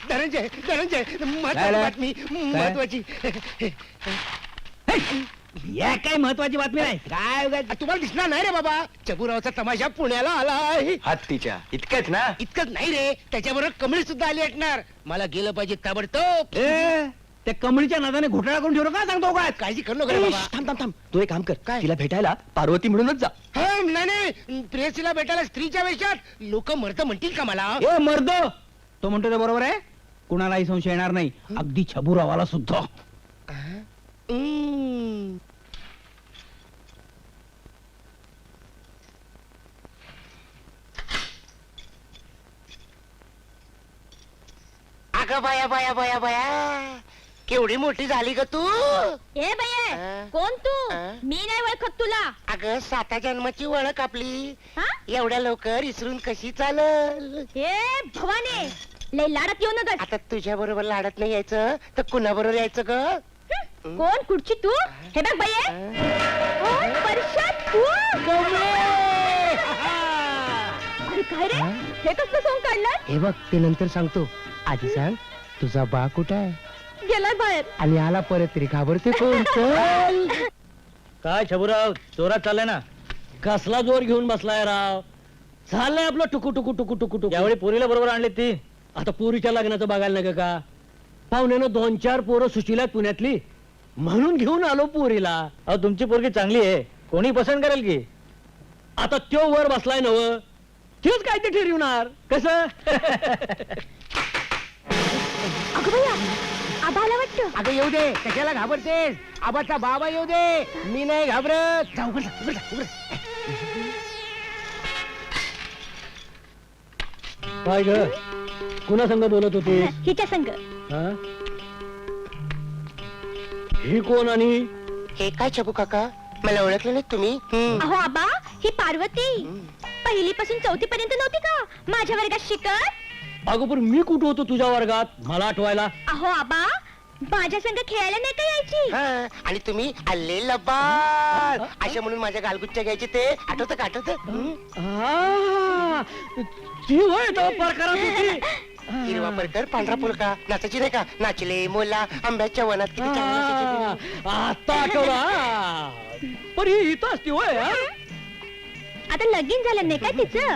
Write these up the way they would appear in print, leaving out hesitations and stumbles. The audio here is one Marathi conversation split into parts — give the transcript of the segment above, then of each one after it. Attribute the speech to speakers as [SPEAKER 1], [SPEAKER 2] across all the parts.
[SPEAKER 1] धनंजय धनंजय महत्वाची बातमी महत्वाची.
[SPEAKER 2] या काय महत्वाची बातमी नाही.
[SPEAKER 1] काय तुम्हाला दिसणार नाही रे बाबा, चबुरावचा तमाशा पुण्याला आलाय.
[SPEAKER 3] हत्तीच्या इतकंच ना?
[SPEAKER 1] इतकंच नाही रे, त्याच्याबरोबर कमळी सुद्धा आली असणार. मला गेलं पाहिजे ताबडतोब.
[SPEAKER 2] त्या कमळीच्या नादाने घोटाळा करून ठेवलं का सांगतो काय?
[SPEAKER 1] काळजी करू नका रे बाबा.
[SPEAKER 3] थांब थांब थांब, तू एक काम कर,
[SPEAKER 1] काय?
[SPEAKER 3] तिला भेटायला पार्वती म्हणूनच जा.
[SPEAKER 1] नाही नाही, प्रेयसीला भेटायला स्त्रीच्या वेशात लोक मर्द म्हणतील का मला?
[SPEAKER 2] ए मर्द, तो म्हणतो ते बरोबर आहे. कुणालाही संशय येणार नाही, अगदी छबुरावाला सुद्धा.
[SPEAKER 1] अगं बाया बाया बाया बाया, केवढी मोठी झाली ग तू.
[SPEAKER 4] ए बये, कोण तू? मी नाही ओळखत तुला.
[SPEAKER 1] अगं 7 जन्माची ओळख आपली,
[SPEAKER 4] हा?
[SPEAKER 1] एवढ्या लवकर इसरून कशी चालल?
[SPEAKER 4] ए भवाने, लय लाडत येऊ नका.
[SPEAKER 1] आता तुझ्या बरोबर लाडत नाही यायचं तर कुणा बरोबर यायचं ग?
[SPEAKER 4] कोण कुठची तू? हे बघ बये, परशात तू. अरे काय रे, हे कसलं सोंग काढलं?
[SPEAKER 1] हे बघ, ते नंतर सांगतो. आधी सांग, तुझा बा कुठं आहे?
[SPEAKER 4] गेलाय बाहेर.
[SPEAKER 1] आणि आला परत तरी घाबरते कोण? चल.
[SPEAKER 2] काय छबुराव, जोरात चाललाय ना? कसला जोर घेऊन बसलाय राव? चाललंय आपलं टुकू टुकू टुकू टुकू टुकू. यावेळी पोरीला बरोबर आणली ती. आता पोरीच्या लग्नाचं बघायला नका का? पाहुण्यानं 2-4 पोरं सुशीला पुण्यातली, म्हणून घेऊन आलो पोरीला. अहो तुमची पोरगी चांगली आहे, कोणी पसंत करेल की. आता त्यो वर बसलाय नव, तेच काय ते ठरवणार कसं?
[SPEAKER 4] अगं बया, आबाला वाटतं.
[SPEAKER 1] अगं येऊ दे, कशाला घाबरतेस? आबाचा बाबा येऊ दे, मी नाही घाबरत. जाऊ उघड जा, उघड जा, उघड जा.
[SPEAKER 2] काय ग, कुणा संग बोलत होती?
[SPEAKER 4] हिच्या संग.
[SPEAKER 2] ही कोण आणि
[SPEAKER 1] हे काय छबू काका, मला ओळखलं नाही तुम्ही?
[SPEAKER 4] अहो आबा, ही पार्वती. पहिलीपासून 4थी पर्यंत नव्हती का माझ्या वर्गात शिकत?
[SPEAKER 2] अगं पण मी कुठं होतो तुझ्या वर्गात, मला आठवायला?
[SPEAKER 4] अहो आबा, माझ्या संग खेळायला नाही का यायची?
[SPEAKER 1] आणि तुम्ही आले लबाड अशा म्हणून माझ्या गालगुच्च्या घ्यायचे ते आठवतं का? आठवतं?
[SPEAKER 2] ती होय तो प्रकारात होती.
[SPEAKER 1] हिरवा परकर पांढरा पुलका नाचायची नाही का? नाचले मोला आंब्याच्या वनात किती चांगलं नाचायची.
[SPEAKER 2] आता आठवला. पण ही इथं असती होय.
[SPEAKER 4] आता लगीन झालं नाही काय तिचं?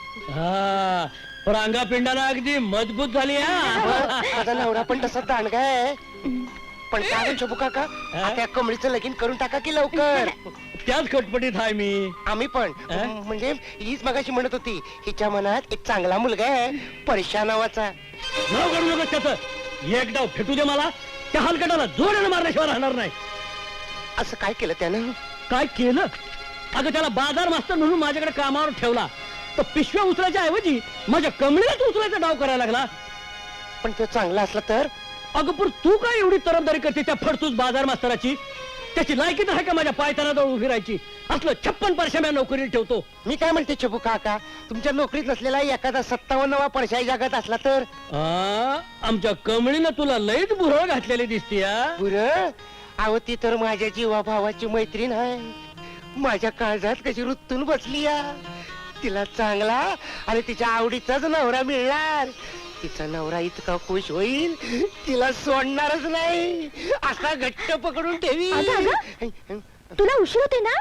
[SPEAKER 2] पण अंगापिंडाला अगदी मजबूत झाली.
[SPEAKER 1] माझा नवरा पण तसा दांडगा आहे. पण काय छबू काका, त्या कमळीचं लगीन करून टाका की लवकर.
[SPEAKER 2] त्याच खटपटीत आहे मी.
[SPEAKER 1] आम्ही पण म्हणजे हीच मगाशी म्हणत होती, हिच्या मनात एक चांगला मुलगा आहे परशा नावाचा.
[SPEAKER 2] नाव काढू नका त्याचं. एक डाव फेटू दे मला, त्या हलकटाला जोरानं मारल्याशिवाय राहणार नाही.
[SPEAKER 1] असं काय केलं त्यानं?
[SPEAKER 2] काय केलं? अगं त्याला बाजार मास्तर म्हणून माझ्याकडे कामावर ठेवला, तर पिशव्या उचलायच्या ऐवजी माझ्या कमळीलाच उचलायचा डाव करायला लागला.
[SPEAKER 1] पण तो चांगला असला तर?
[SPEAKER 2] अगं पण तू काय एवढी तरफदारी करते त्या फडतूस बाजार मास्तराची? त्याची लायकी तर आहे का माझ्या पायतानाजवळ उभी राहायची? असलं 56 परश्या नोकरीला ठेवतो.
[SPEAKER 1] मी काय म्हणते छबू काका, तुमच्या नोकरीत नसलेला एखादा 57वा परशाई जगात असला तर?
[SPEAKER 2] आमच्या कमळीनं तुला लईच भुरळ घातलेली दिसती.
[SPEAKER 1] बुरं? अहो ती तर माझ्या जीवा भावाची मैत्रीण आहे. माझ्या काळजात कशी रुतून बसली या. तिला चांगला आणि तिच्या आवडीचाच नवरा मिळणार. तिचा नवरा इतका खुश होईल, तिला सोडणारच नाही, असा घट्ट पकडून ठेवी.
[SPEAKER 4] तुला उशीर होते ना?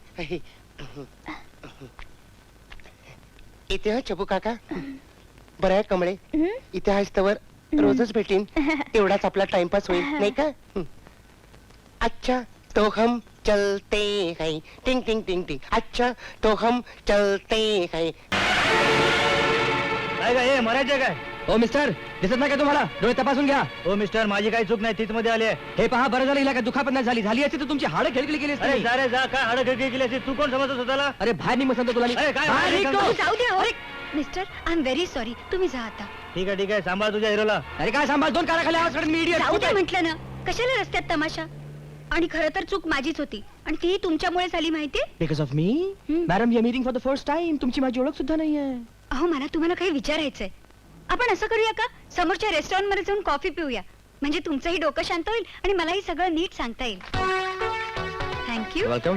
[SPEAKER 1] इथे छबू काका, बरं आहे कमळे, इथे आहेस तवर रोजच भेटीन, तेवढाच आपला टाइमपास होईल नाही का? अच्छा तो हम चलते हैं, टिंग टिंग टिंग टिंग. अच्छा तो हम चलते हैं.
[SPEAKER 2] काय काय मरायचं काय? हो मिस्टर, दिसत नाही का तुम्हाला? डोळे तपासून घ्या. हो मिस्टर, माझी काही चूक नाही, तीच मध्ये आली आहे. हे पहा, बरं झालं हिला काय दुखापत नाही झाली. झाली असती तर तुमची हाडं खेळली गेली असती. अरे जा, काय हाडं खेळली गेली असती? तू कोण समजत होता? अरे बाहेर निघ सांगतो तुला.
[SPEAKER 4] जाऊ दे. Mister, I am very sorry. तुम्ही जा आता.
[SPEAKER 2] ठीक आहे, सांभाळ तुझ्या हिरोला. अरे काय सांभाळ? 2 काळा खाली आवाज काढून मी
[SPEAKER 4] जाऊ दे म्हटलं ना. कशाला रस्त्यात तमाशा? आणि खरं तर चूक माझीच होती, आणि ती तुमच्यामुळे झाली माहितीये.
[SPEAKER 3] Because of me? Madam, you meeting for the first time. तुमची माझी ओळख सुद्धा नाहीये.
[SPEAKER 4] अहो, मला तुम्हाला काही विचारायचंय. आपण असं करूया का, समोरच्या रेस्टॉरंट मध्ये जाऊन कॉफी पिऊया, म्हणजे तुमचंही डोकं शांत होईल आणि मलाही सगळं नीट सांगता येईल. थँक्यू.
[SPEAKER 3] वेलकम.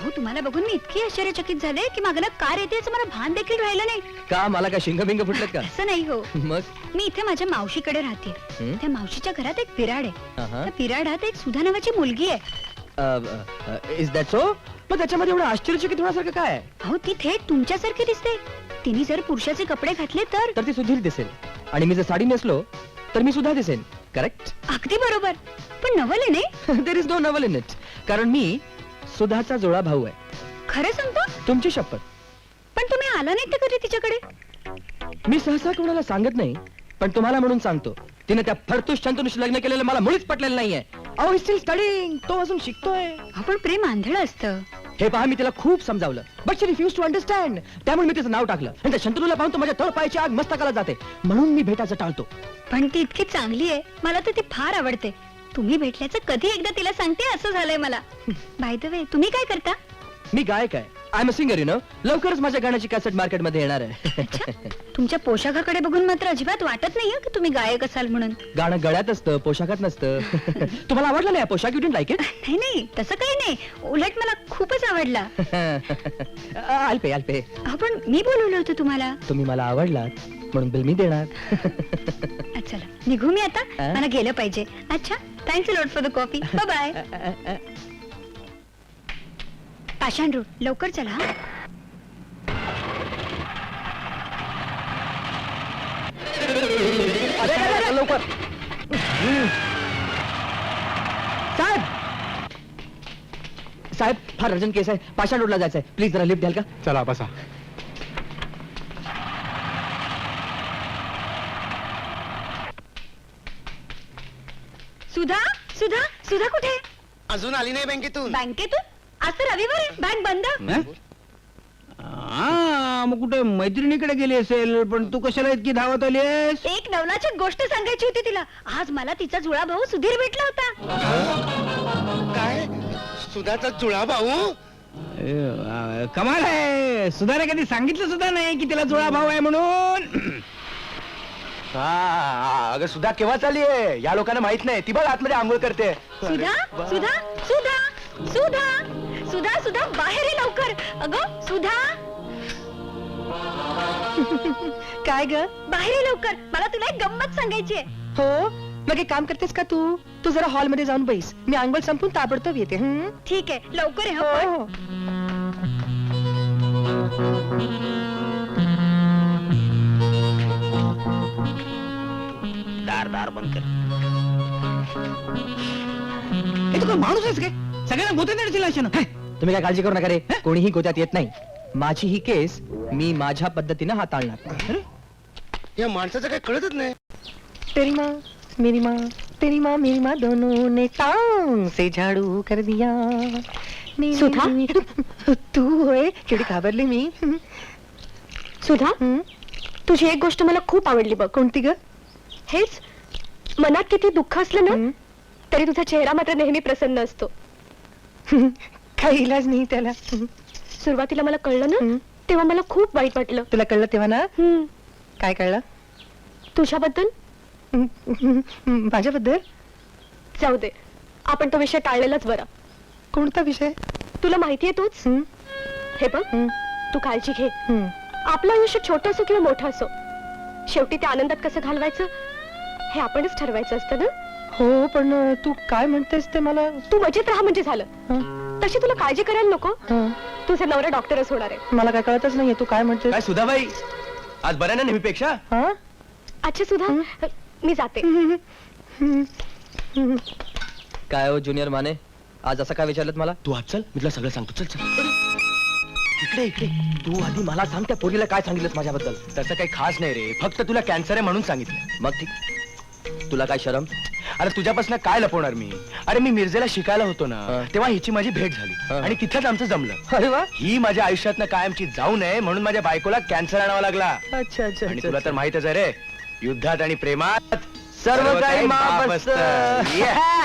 [SPEAKER 4] अहो तुम्हाला बघून मी इतकी आश्चर्यचकित झाले की मागला कार येते याचं मला भान देखील राहिलं नाही.
[SPEAKER 3] का मला काय शिंगबिंग फुटलं का?
[SPEAKER 4] असं नाही हो,
[SPEAKER 3] मग
[SPEAKER 4] मी इथे माझ्या मावशीकडे राहते.
[SPEAKER 3] हं?
[SPEAKER 4] त्या मावशीच्या घरात एक पिराड आहे.
[SPEAKER 3] अहं.
[SPEAKER 4] त्या पिराडात एक सुधा नावाची मुलगी आहे.
[SPEAKER 3] Is that so? मग त्याच्यामध्ये एवढं आश्चर्यचकित होण्यासारखं काय आहे?
[SPEAKER 4] अहो ती थेट तुमच्यासारखी दिसते. तिने जर पुरुषाचे कपडे घातले तर
[SPEAKER 3] तर ती सुधीर दिसेल आणि मी जर साडी नेसलो तर मी सुद्धा दिसेन. करेक्ट?
[SPEAKER 4] अगदी बरोबर. पण नवल आहे नाही?
[SPEAKER 3] There is no naval in it. कारण मी सुधाचा जुळा भाऊ आहे.
[SPEAKER 4] खरं सांगतो?
[SPEAKER 3] तुमची शपथ.
[SPEAKER 4] पण तुम्ही आला नाही तर कधी तिच्याकडे?
[SPEAKER 3] मी सहसा कोणाला सांगत नाही, पण तुम्हाला म्हणून सांगतो. तिने त्या फडतूस शंतनुशी लग्न केलेलं मला मुळीच पटलेलं नाहीये. अहो स्टील स्टडिंग. तो अजून शिकतोय.
[SPEAKER 4] आपण प्रेम आंधळ असतं.
[SPEAKER 3] हे पहा, मी तिला खूप समजावलं, but she refuse to understand. त्यामुळे मी तिचं नाव टाकलं आणि त्या शंतनूला पाहून तो माझ्या तळपायाची आग मस्तकाला जाते. म्हणून मी भेटायचं टाळतो.
[SPEAKER 4] पण ती इतकी चांगली आहे, मला तर ती फार आवडते. तुम्ही भेटल्याचं कधी एकदा तिला सांगते असं झालंय मला. बाय द वे तुम्ही काय करता?
[SPEAKER 3] मी गायक आहे. I am a singer, you know. लवकरच माझ्या गाण्याची कॅसेट मार्केटमध्ये येणार आहे.
[SPEAKER 4] अच्छा, तुमच्या पोशाखाकडे बघून मात्र अजिबात वाटत नाहीये की तुम्ही गायक असाल म्हणून.
[SPEAKER 3] गाणं गळ्यात असतं, पोशाखात नसतं. तुम्हाला आवडलं नाही पोशाख? You didn't like it?
[SPEAKER 4] नाही नाही, तसं काही नाही. उलट मला खूपच आवडला.
[SPEAKER 3] अल्पे अल्पे.
[SPEAKER 4] पण मी बोलवलं होतं तुम्हाला.
[SPEAKER 3] तुम्ही मला आवडलात म्हणून बिल मी देणार.
[SPEAKER 4] चला निघू मी आता. मला गेलं पाहिजे. अच्छा, thanks a lot for the coffee. Bye bye. Pashan road, लवकर चला हा.
[SPEAKER 3] अरे लवकर. साहेब साहेब, फार अर्जंट केस आहे. पाषाण रोडला जायचंय. प्लीज जरा लिफ्ट द्याल का?
[SPEAKER 5] चला बसा.
[SPEAKER 4] सुधा सुधा सुधा कुठे?
[SPEAKER 1] अजून आली नाही बँकेतून.
[SPEAKER 4] बँकेतून? आज तर रविवार आहे, बँक बंद.
[SPEAKER 5] मग कुठे मैत्रिणीकडे गेली असेल. पण तू कशाला इतकी धावत आलीस?
[SPEAKER 4] एक नवलाची गोष्ट सांगायची होती तिला. आज मला तिचा जुळा भाऊ सुधीर भेटला होता.
[SPEAKER 1] काय? सुधाचा जुळा भाऊ?
[SPEAKER 5] कमाल आहे. सुधाने कधी सांगितलं सुद्धा नाही की तिला जुळा भाऊ आहे म्हणून.
[SPEAKER 3] अगं सुधा केव्हा चालली आहे? या लोकांना माहित नाही. ती बघ आतमध्ये आंघोळ करते.
[SPEAKER 4] सुधा सुधा सुधा सुधा सुधा सुधा बाहेर ये लवकर. अगं सुधा.
[SPEAKER 3] काय ग?
[SPEAKER 4] बाहेर ये लवकर, मला तुला एक गंमत सांगायची आहे.
[SPEAKER 3] हो, मग एक काम करतेस का तू? तू जरा हॉल मध्ये जाऊन बैस. मी आंघोळ संपून ताबडतोब येते.
[SPEAKER 4] ठीक आहे, लवकर ये हं पण.
[SPEAKER 5] दार बंद कर. हे तू काय माणूस आहेस काय? सगळ्यांना गोत्यात येण्याची लाशन.
[SPEAKER 3] तुम्ही काय काळजी करू नका रे. कोणीही गोत्यात येत नाही. माझी ही केस मी माझ्या पद्धतीनं हाताळणार.
[SPEAKER 1] या माणसाचं काय कळतच नाही.
[SPEAKER 3] तेरी माँ मेरी माँ, तेरी माँ मेरी माँ, दोनों ने टांग से झाड़ू कर दिया.
[SPEAKER 4] सुधा?
[SPEAKER 3] तू होय? केवढी घाबरली मी.
[SPEAKER 6] सुधा, तुझी एक गोष्ट मला खूप आवडली बघ.
[SPEAKER 3] कोणती ग?
[SPEAKER 6] हेच, मनात किती दुःख असलं ना तरी तुझा चेहरा मात्र नेहमी प्रसन्न असतो.
[SPEAKER 3] काही इलाज नाही त्याला.
[SPEAKER 6] सुरुवातीला मला कळलं ना तेव्हा मला खूप वाईट वाटलं.
[SPEAKER 3] तुला कळलं तेव्हा ना? काय कळलं?
[SPEAKER 6] तुझ्याबद्दल.
[SPEAKER 3] माझ्याबद्दल?
[SPEAKER 6] जाऊ दे, आपण तो विषय टाळलेलाच बरा.
[SPEAKER 3] कोणता विषय?
[SPEAKER 6] तुला माहितीये तूच. हे बघ, तू काळजी घे. आपलं आयुष्य छोटं असो किंवा मोठं असो, शेवटी ते आनंदात कसं घालवायचं हे आपणच ठरवायचं असतं ना.
[SPEAKER 3] हो, पण तू काय म्हणतेस ते मला.
[SPEAKER 6] तू मजेत राहा म्हणजे झालं. तशी तुला काळजी करायला नको. तुझे नवरा डॉक्टरच होणार आहे.
[SPEAKER 3] मला काय कळतच नाहीये तू काय म्हणतेस. काय सुधाबाई, आज बऱ्या ना नेहमीपेक्षा?
[SPEAKER 6] अच्छा सुधा, मी जाते.
[SPEAKER 3] काय हो ज्युनियर माने, आज असं काय विचारलं मला? तू आज चल, मी तुला सगळं सांगतो. चल चल. इकडे इकडे. तू आधी मला सांग, त्या पोरीला काय सांगितलंस माझ्याबद्दल?
[SPEAKER 7] तसं काही खास नाही रे, फक्त तुला कॅन्सर आहे म्हणून सांगितलं.
[SPEAKER 3] मग ठीक. तुला काय शरम?
[SPEAKER 7] अरे तुझ्यापासून काय लपवणार मी? अरे मी मिरजेला शिकायला होतो ना, तेव्हा हिची माझी भेट झाली आणि तिथंच आमचं जमलं.
[SPEAKER 3] अरे वा.
[SPEAKER 7] ही माझ्या आयुष्यातनं कायमची जाऊ नये म्हणून माझ्या बायकोला कॅन्सर आणावा लागला.
[SPEAKER 3] अच्छा अच्छा.
[SPEAKER 7] आणि तुला तर माहितच आहे रे, युद्धात आणि प्रेमात
[SPEAKER 3] सर्व काही माफ असतं.
[SPEAKER 7] Yeah.